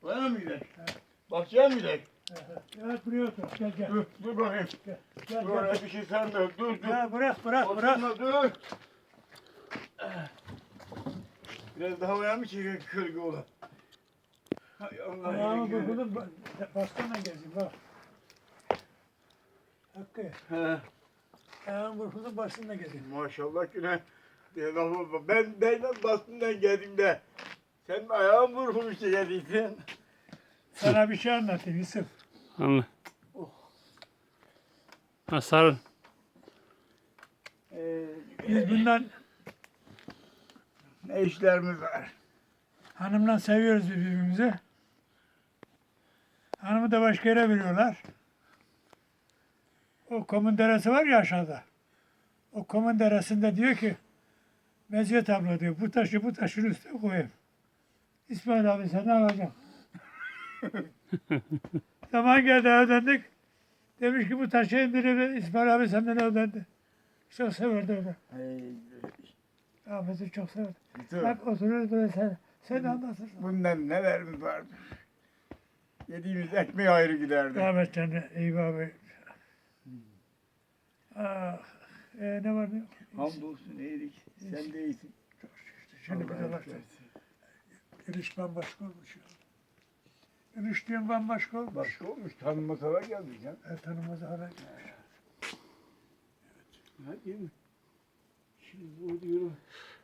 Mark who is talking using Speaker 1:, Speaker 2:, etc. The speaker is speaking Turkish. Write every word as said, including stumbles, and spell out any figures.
Speaker 1: Oraya mı gidelim? Bahçeye mi gidelim?
Speaker 2: Evet buraya otur. Gel gel.
Speaker 1: Dur, dur bakayım.
Speaker 2: Gel gel.
Speaker 1: Dur,
Speaker 2: gel.
Speaker 1: oraya bir şey sen de. Dur, dur.
Speaker 2: Ya bırak bırak bırak.
Speaker 1: Oturma, dur. Biraz daha oraya mı çekiyor kölge ola? Hay Allah.
Speaker 2: Ayağımı
Speaker 1: yürü.
Speaker 2: burkulum. Bastonla gezeyim bak. Hakkı.
Speaker 1: He.
Speaker 2: Ayağımı burkulum bastonla gezeyim.
Speaker 1: Maşallah güne. Bir lafı var. Ben ben bastından geldiğimde sen ayağın vurmuş geldiysen.
Speaker 2: Sana bir şey anlatayım Yusuf.
Speaker 3: Anla.
Speaker 1: Oh.
Speaker 3: Ha, sarıl.
Speaker 1: Ee,
Speaker 2: Biz bundan
Speaker 1: ne işlerimiz var?
Speaker 2: hanımla seviyoruz birbirimizi. Hanımı da başka yere veriyorlar. O Komun Deresi var ya aşağıda. O Komun Deresi'nde diyor ki Meziyet abla diyor bu taşı bu taşın üstüne koyayım. İsmail abi sen ne alacaksın? Zaman geldi ödendik. Demiş ki bu taşı indirelim. İsmail abi senden ödendi. Çok severdi onu.
Speaker 1: Hey,
Speaker 2: Ahmet'i çok severdi.
Speaker 1: dur.
Speaker 2: Bak otururuz böyle sen, sen anlatırsın.
Speaker 1: Bundan nelerimiz vardır? Yediğimiz ekmeği ayrı giderdi.
Speaker 2: Ahmet canı Eyüp abi. Ah, e, ne var ne yok?
Speaker 1: Hamdolsun iyilik. Sen de iyisin.
Speaker 2: Şimdi bir de bak. Giriş bambaşka olmuş ya. Giriş diyorum bambaşka olmuş.
Speaker 1: Başka olmuş. Tanınmasalar geldik ya.
Speaker 2: E, tanımaz hale gelmiş.
Speaker 1: Ha, değil mi? Şimdi bu diyorum.